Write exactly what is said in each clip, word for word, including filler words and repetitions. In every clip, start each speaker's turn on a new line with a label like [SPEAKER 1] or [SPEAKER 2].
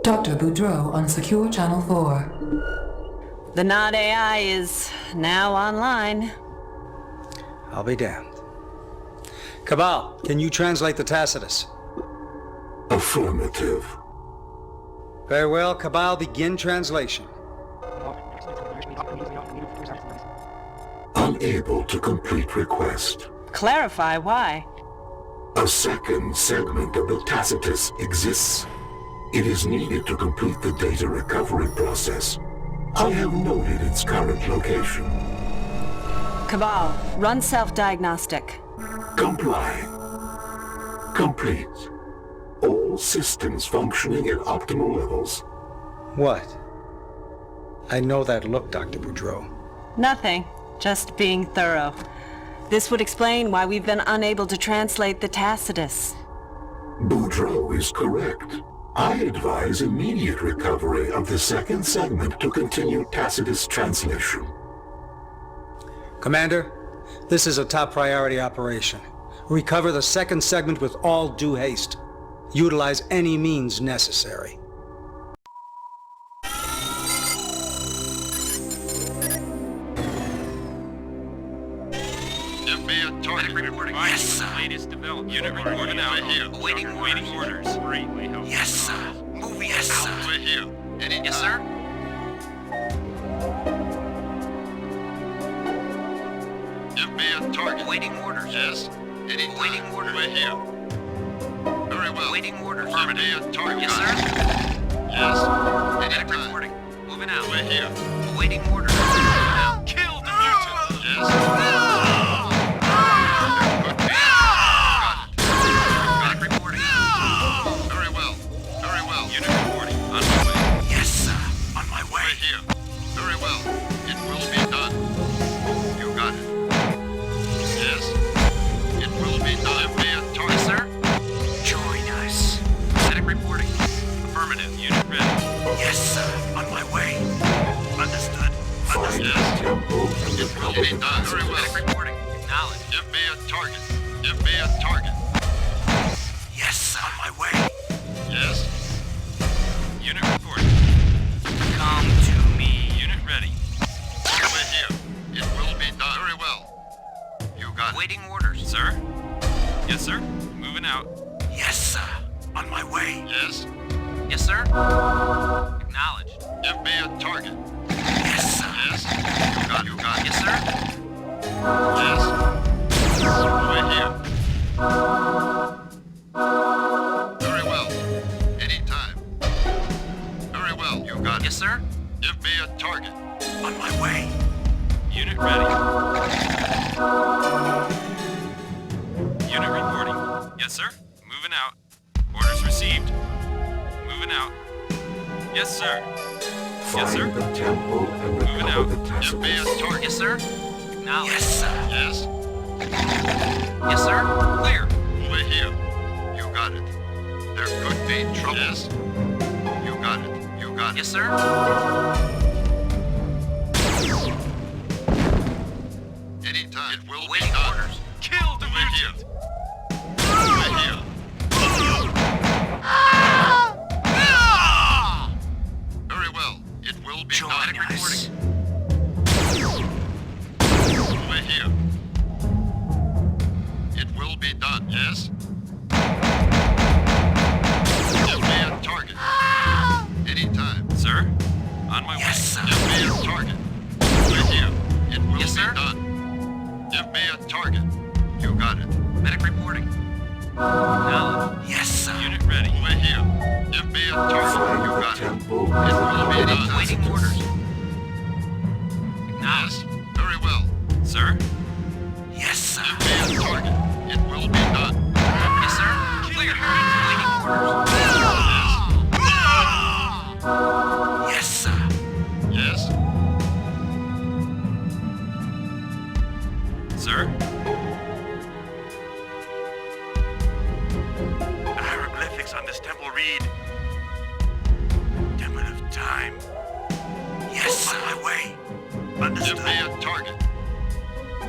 [SPEAKER 1] Doctor Boudreau on Secure Channel four.
[SPEAKER 2] The Nod A I is now online.
[SPEAKER 3] I'll be damned. Cabal, can you translate the Tacitus?
[SPEAKER 4] Affirmative.
[SPEAKER 3] Very well, Cabal, begin translation.
[SPEAKER 4] Unable to complete request.
[SPEAKER 2] Clarify why.
[SPEAKER 4] A second segment of the Tacitus exists. It is needed to complete the data recovery process. I have noted its current location.
[SPEAKER 2] Cabal, run self-diagnostic.
[SPEAKER 4] Comply. Complete. All systems functioning at optimal levels.
[SPEAKER 3] What? I know that look, Doctor Boudreau.
[SPEAKER 2] Nothing. Just being thorough. This would explain why we've been unable to translate the Tacitus.
[SPEAKER 4] Boudreau is correct. I advise immediate recovery of the second segment to continue Tacitus translation.
[SPEAKER 3] Commander, this is a top priority operation. Recover the second segment with all due haste. Utilize any means necessary.
[SPEAKER 5] Yes, sir. Latest development. Unit reporting out here. Awaiting awaiting orders. Greatly helpful. Yes, sir. Moving yes, sir. Over here. Any yes, sir. Give me a target. Awaiting orders. Yes. Any awaiting orders. Over here. Very well. Awaiting orders. Give me a target. Yes, sir. Yes. Any reporting. Moving out. Over here. Awaiting orders. Kill the mutant. Yes. Getting done. Very well. Reporting. Acknowledge. Give me a target. Give me a target. Yes, on my way. Yes. Unit reporting. Come to me. Unit ready. Over here. It will be done. Very well. You got waiting it. Orders, sir. Yes, sir. Moving out. Yes, sir. On my way. Yes. Yes, sir. Acknowledged. Give me a target. Yes, sir. Yes. You got, you got. Yes, sir. Yes. Over here. Very well. Anytime. Very well. You got it. Yes, sir. Give me a target. On my way. Unit ready. Unit reporting. Yes, sir. Moving out. Orders received. Moving out. Yes, sir.
[SPEAKER 4] Find
[SPEAKER 5] yes, sir.
[SPEAKER 4] the temple and recover the Tacitus.
[SPEAKER 5] Give me a target. Yes, sir. Now. Yes, sir. Yes. Yes, sir. Clear. Over here. You got it. There could be trouble. Yes. You got it. You got it. Yes, sir. Anytime. It will be done. Orders. Kill the mutant. Over here. Very well. It will be done. Reporting. Over here. It will be done. Yes. Give me a target. Anytime. Sir? On my yes, way. Sir. Give me a target. Over here. It will yes, be sir? Done. Give me a target. You got it. Medic reporting. Now. Yes, sir. Unit ready. Over here. Give me a target. You got it. It will be done. Waiting orders. Yes. Very well. Sir? Yes, sir. Give me a target. It will be done. Yes, sir. Clear. Waiting orders. Yes. Yes, sir. Yes. Sir? Hieroglyphics on this temple read. Temple of time. Yes, on my way. Understood. Give me a target.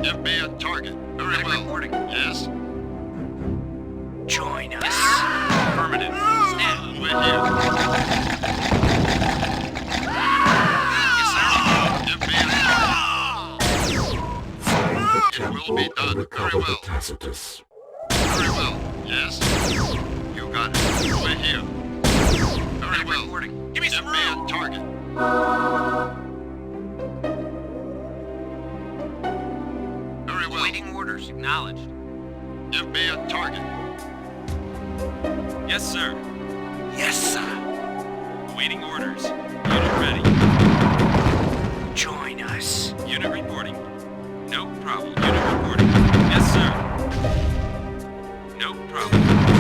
[SPEAKER 5] Give me a target. Very well. Reporting. Yes?
[SPEAKER 6] Join us.
[SPEAKER 5] Affirmative. Stand. Over here. Yes, sir. Give me a target.
[SPEAKER 4] Find the
[SPEAKER 5] Will
[SPEAKER 4] temple
[SPEAKER 5] be
[SPEAKER 4] and
[SPEAKER 5] done.
[SPEAKER 4] recover
[SPEAKER 5] Very
[SPEAKER 4] the
[SPEAKER 5] well.
[SPEAKER 4] Tacitus.
[SPEAKER 5] Very well. Yes? You got it. Over here. Very well. Reporting. Give me some room. Give me a target. Very well.
[SPEAKER 6] Waiting orders. Acknowledged.
[SPEAKER 5] Give me a target.
[SPEAKER 6] Yes, sir.
[SPEAKER 4] Yes, sir.
[SPEAKER 6] Waiting orders. Unit ready.
[SPEAKER 4] Join us.
[SPEAKER 6] Unit reporting. No problem. Unit reporting. Yes, sir. No problem.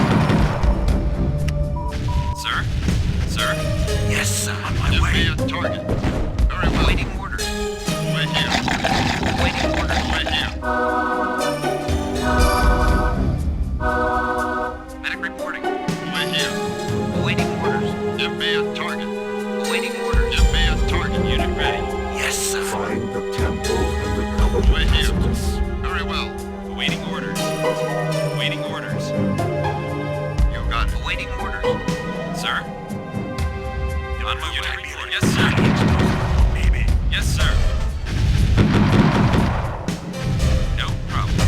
[SPEAKER 6] Sir? Sir?
[SPEAKER 4] Yes, sir. On my
[SPEAKER 5] Give
[SPEAKER 4] way.
[SPEAKER 5] me a target. Very well.
[SPEAKER 6] Waiting orders.
[SPEAKER 5] Over here.
[SPEAKER 6] Waiting orders.
[SPEAKER 5] Over here.
[SPEAKER 6] Medic reporting.
[SPEAKER 5] Over here.
[SPEAKER 6] Awaiting orders.
[SPEAKER 5] Give me a target.
[SPEAKER 6] Awaiting orders.
[SPEAKER 5] Give me a target.
[SPEAKER 6] Unit ready.
[SPEAKER 4] Yes, sir. Find the temple and recover the
[SPEAKER 5] Over here.
[SPEAKER 4] Tacitus.
[SPEAKER 5] Very well.
[SPEAKER 6] Awaiting orders. Awaiting orders.
[SPEAKER 5] You got it.
[SPEAKER 6] Awaiting orders. Sir? On my way. Report. Yes, sir.
[SPEAKER 4] Maybe.
[SPEAKER 6] Yes, sir. No problem.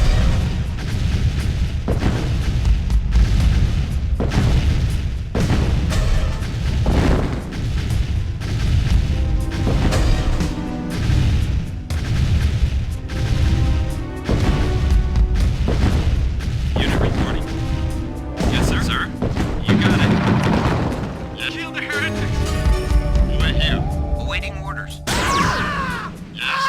[SPEAKER 6] Unit reporting. Yes, sir. Sir? You got it.
[SPEAKER 5] Yes.
[SPEAKER 6] Kill the heretics.
[SPEAKER 5] Over here.
[SPEAKER 6] Awaiting orders.
[SPEAKER 5] Yes.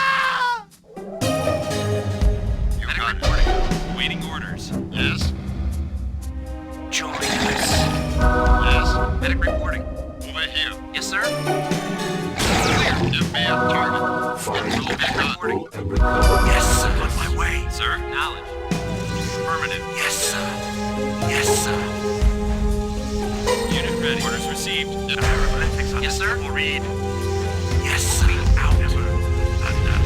[SPEAKER 5] You
[SPEAKER 6] Medic
[SPEAKER 5] got it.
[SPEAKER 6] reporting. Awaiting orders.
[SPEAKER 5] Yes.
[SPEAKER 4] Join us.
[SPEAKER 5] Yes.
[SPEAKER 6] Medic reporting.
[SPEAKER 5] Over here.
[SPEAKER 6] Yes, sir.
[SPEAKER 5] Give me a target.
[SPEAKER 4] Find
[SPEAKER 5] It will
[SPEAKER 4] the
[SPEAKER 5] be done.
[SPEAKER 4] temple and recover. Yes, sir. On my way.
[SPEAKER 6] Sir? Knowledge. Affirmative.
[SPEAKER 4] Yes, sir. Yes, sir.
[SPEAKER 6] Unit ready. Orders received.
[SPEAKER 5] Hieroglyphics on
[SPEAKER 6] Yes,
[SPEAKER 5] this
[SPEAKER 6] sir.
[SPEAKER 5] will read.
[SPEAKER 4] Yes, sir. Out.
[SPEAKER 5] Thunder.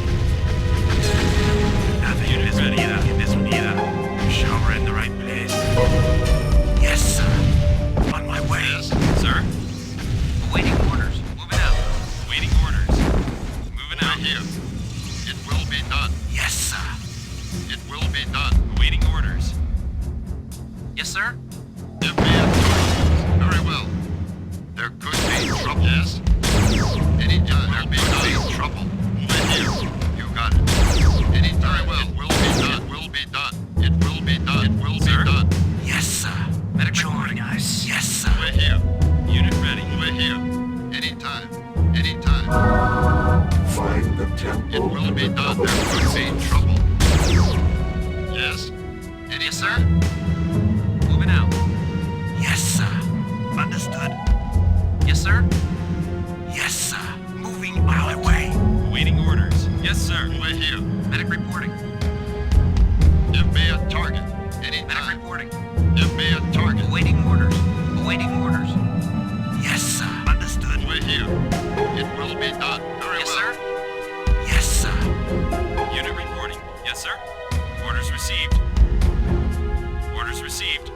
[SPEAKER 5] Nothing in
[SPEAKER 6] Unit
[SPEAKER 5] this one
[SPEAKER 6] ready.
[SPEAKER 5] either. In this one either. You sure we're in the right place.
[SPEAKER 4] Yes, sir. On my way.
[SPEAKER 5] Yes.
[SPEAKER 6] Sir? Awaiting orders. Moving out. Waiting orders. Moving
[SPEAKER 5] Over
[SPEAKER 6] out.
[SPEAKER 5] here. It will be done.
[SPEAKER 4] Yes, sir.
[SPEAKER 5] It will be done.
[SPEAKER 6] Awaiting orders. Yes, sir.
[SPEAKER 5] Give me a target. Very well. There could be trouble. Yes. Any time there could be trouble. Over here. You got it. Any time. Well. It will be done. It will be done. It will be done. It will
[SPEAKER 6] Sir?
[SPEAKER 5] be done.
[SPEAKER 4] Yes, sir.
[SPEAKER 6] Medic
[SPEAKER 4] Join
[SPEAKER 6] reporting.
[SPEAKER 4] us. Yes, sir.
[SPEAKER 5] Over here.
[SPEAKER 6] Unit ready.
[SPEAKER 5] Over here. Anytime. Anytime.
[SPEAKER 4] Find the temple
[SPEAKER 5] It will
[SPEAKER 4] and
[SPEAKER 5] be done.
[SPEAKER 4] recover
[SPEAKER 5] There
[SPEAKER 4] the
[SPEAKER 5] could be
[SPEAKER 4] Tacitus.
[SPEAKER 5] trouble. Yes? Any
[SPEAKER 6] Yes, sir.
[SPEAKER 5] sir?
[SPEAKER 6] Moving out.
[SPEAKER 4] Yes, sir.
[SPEAKER 5] Understood.
[SPEAKER 6] Yes, sir.
[SPEAKER 4] Yes, sir. Moving on my way.
[SPEAKER 6] Awaiting orders. Yes, sir.
[SPEAKER 5] Over here.
[SPEAKER 6] Medic reporting.
[SPEAKER 5] Give me a target.
[SPEAKER 6] Medic
[SPEAKER 5] Anytime.
[SPEAKER 6] reporting.
[SPEAKER 5] Give me a target.
[SPEAKER 6] Awaiting orders. Awaiting orders.
[SPEAKER 4] Yes, sir.
[SPEAKER 5] Understood. Over here. It will be done. Very
[SPEAKER 6] Yes,
[SPEAKER 5] well.
[SPEAKER 6] sir.
[SPEAKER 4] Yes, sir.
[SPEAKER 6] Unit reporting. Yes, sir. Orders received. Orders received.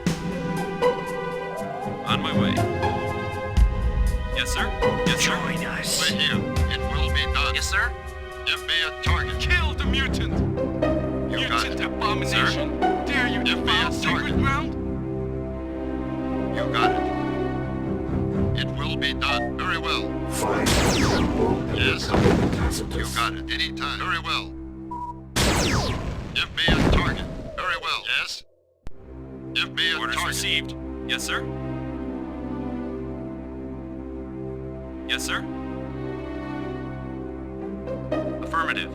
[SPEAKER 6] On my way. Yes, sir. Yes, sir.
[SPEAKER 4] Join us.
[SPEAKER 5] Over here. It will be done.
[SPEAKER 6] Yes, sir.
[SPEAKER 5] Give me a target.
[SPEAKER 6] Kill the mutant.
[SPEAKER 5] You got it.
[SPEAKER 6] abomination. Dare you
[SPEAKER 5] Give me a target.
[SPEAKER 6] ground?
[SPEAKER 5] You got it. It will be done. Very well.
[SPEAKER 4] Find the temple and
[SPEAKER 5] Yes.
[SPEAKER 4] recover the Tacitus.
[SPEAKER 5] You got it. Anytime. Very well. Give me a target. Very well. Yes? Give me a
[SPEAKER 6] Orders
[SPEAKER 5] target.
[SPEAKER 6] received. Yes, sir. Yes, sir. Affirmative.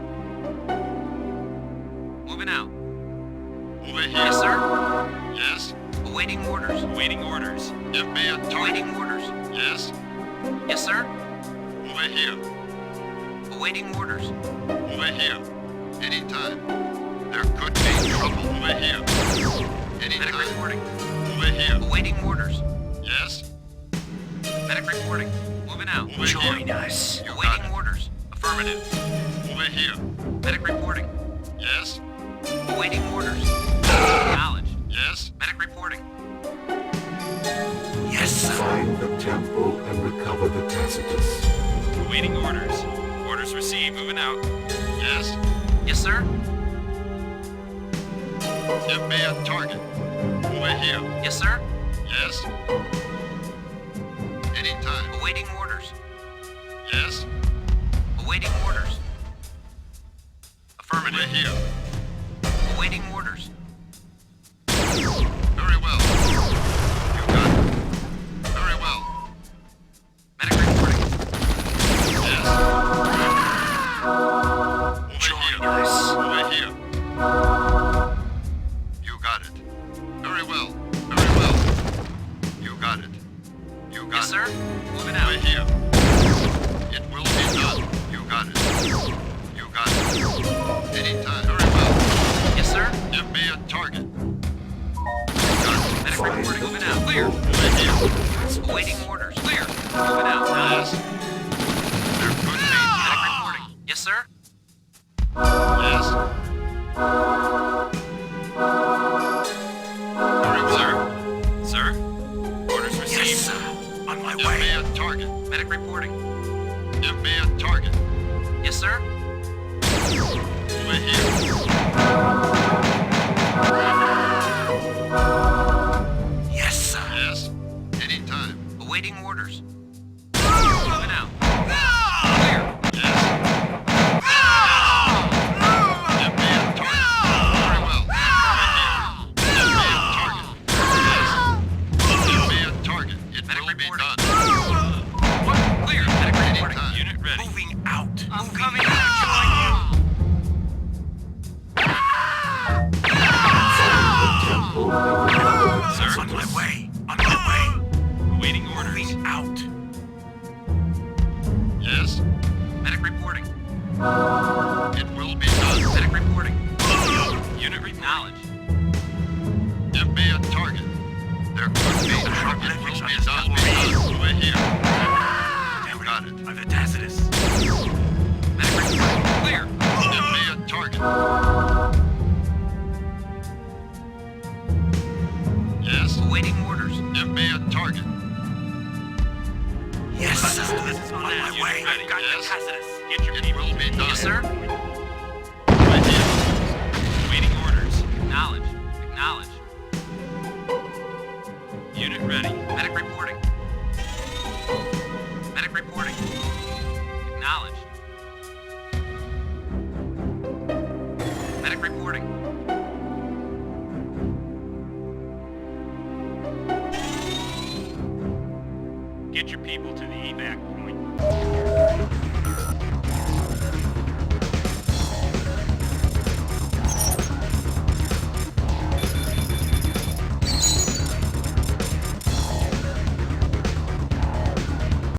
[SPEAKER 6] Moving out.
[SPEAKER 5] Over here.
[SPEAKER 6] Yes, sir.
[SPEAKER 5] Yes?
[SPEAKER 6] Awaiting orders. Awaiting orders.
[SPEAKER 5] Give me a target.
[SPEAKER 6] Awaiting orders.
[SPEAKER 5] Yes?
[SPEAKER 6] Yes, sir.
[SPEAKER 5] Over here.
[SPEAKER 6] Awaiting orders.
[SPEAKER 5] Over here. Anytime. There could be trouble. Over here.
[SPEAKER 6] Medic
[SPEAKER 5] Anytime.
[SPEAKER 6] reporting.
[SPEAKER 5] Over here.
[SPEAKER 6] Awaiting orders.
[SPEAKER 5] Yes?
[SPEAKER 6] Medic reporting. Moving out.
[SPEAKER 5] Over
[SPEAKER 4] Join
[SPEAKER 5] here.
[SPEAKER 4] us.
[SPEAKER 5] You got
[SPEAKER 6] Awaiting
[SPEAKER 5] it.
[SPEAKER 6] orders. Affirmative.
[SPEAKER 5] Over here.
[SPEAKER 6] Medic reporting. sir.
[SPEAKER 5] Give me a target. Over here.
[SPEAKER 6] Yes, sir.
[SPEAKER 5] Yes? Anytime.
[SPEAKER 6] Awaiting orders.
[SPEAKER 5] Yes?
[SPEAKER 6] Awaiting orders. Affirmative.
[SPEAKER 5] Over here.
[SPEAKER 6] Awaiting orders.
[SPEAKER 5] Very well. You got it. Very well.
[SPEAKER 6] Medic reporting.
[SPEAKER 5] Yes. Over here. Over here. You got it. Very well. Very well. You got it. You got
[SPEAKER 6] Yes,
[SPEAKER 5] it.
[SPEAKER 6] sir. Moving out.
[SPEAKER 5] Over here. It will be done. You got it. You got it. Anytime. Very well.
[SPEAKER 6] Yes, sir.
[SPEAKER 5] Give me a target. You got it.
[SPEAKER 6] Medic reporting. Moving out. Clear.
[SPEAKER 5] Over here.
[SPEAKER 6] Awaiting orders. Clear. Moving out.
[SPEAKER 5] Yes. There could be.
[SPEAKER 6] Medic reporting. Yes, sir.
[SPEAKER 5] Yes. Very well.
[SPEAKER 6] Sir. Orders received.
[SPEAKER 5] Yes,
[SPEAKER 6] sir. On my
[SPEAKER 5] Give me a target.
[SPEAKER 6] Medic reporting.
[SPEAKER 5] Give me a target.
[SPEAKER 6] Yes, sir.
[SPEAKER 5] Over here.
[SPEAKER 6] Yes, sir.
[SPEAKER 5] Yes. Anytime.
[SPEAKER 6] Awaiting orders. Moving out. Clear.
[SPEAKER 5] Yes. Give me a target. Very well. Over here. Give me a target. Yes. Give me a target. It
[SPEAKER 6] Medic
[SPEAKER 5] will be
[SPEAKER 6] reporting.
[SPEAKER 5] done.
[SPEAKER 6] What? Clear. Medic reporting.
[SPEAKER 5] Anytime.
[SPEAKER 6] Unit ready. Moving out. I'm
[SPEAKER 5] Moving
[SPEAKER 6] coming
[SPEAKER 5] out.
[SPEAKER 6] to join you. Sir. On my way. On my way. Awaiting orders. Moving out.
[SPEAKER 5] Yes.
[SPEAKER 6] Medic reporting.
[SPEAKER 5] It will be done.
[SPEAKER 6] Medic reporting. Unit acknowledged.
[SPEAKER 5] Give me a target. There could be. It will be done. Be done. Over here. You got it.
[SPEAKER 6] I'm the Tacitus. Medic reporting. Clear.
[SPEAKER 5] Give me a target. Yes.
[SPEAKER 6] Awaiting orders.
[SPEAKER 5] Give me a target.
[SPEAKER 6] Yes, sir. On my way. I've got
[SPEAKER 5] Yes.
[SPEAKER 6] the Tacitus. Get your
[SPEAKER 5] It
[SPEAKER 6] people.
[SPEAKER 5] will be done.
[SPEAKER 6] Yes, sir.
[SPEAKER 5] Right here.
[SPEAKER 6] Awaiting orders. Acknowledged. Acknowledged. Unit ready. Medic reporting. Medic reporting. Acknowledged. Medic reporting. Get your people to the evac point.